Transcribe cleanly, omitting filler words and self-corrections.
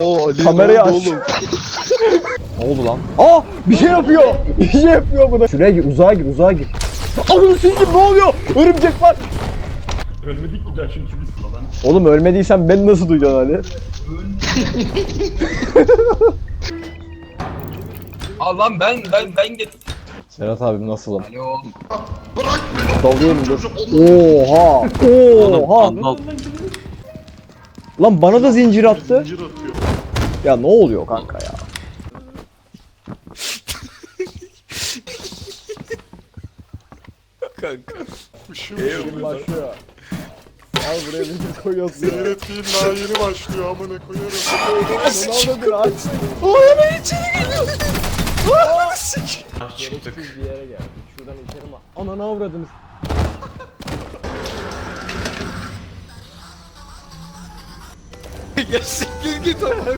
Oo Ali Kamerayı ne oldu aç. oğlum? Ne oldu lan? Aa bir şey yapıyor. Bir şey yapıyor bu da. Şuraya gir, uzağa gir, uzağa gir. Anam sizin ne oluyor? Örümcek var. Ölmedik ki daha çünkü biz falan. Oğlum ölmediysen beni nasıl duyacaksın Ali? Al lan ben git. Serhat abim nasılım? Alo. Bırak beni. Dalıyorum dur. Çocuk Allah. Oha! Oha! Lan bana da zincir attı. Zincir atıyor. Ya ne oluyor kanka ya? Üşüyorum. Başlıyor. Al buraya zincir koyuyorsun ya. Senin ettiğin daha yeni başlıyor amına koyarım. Ronaldo aç. Çıktık. Bir yere geldik. Şuradan içeri mi? Ananı avradınız. Ya siktir git ama.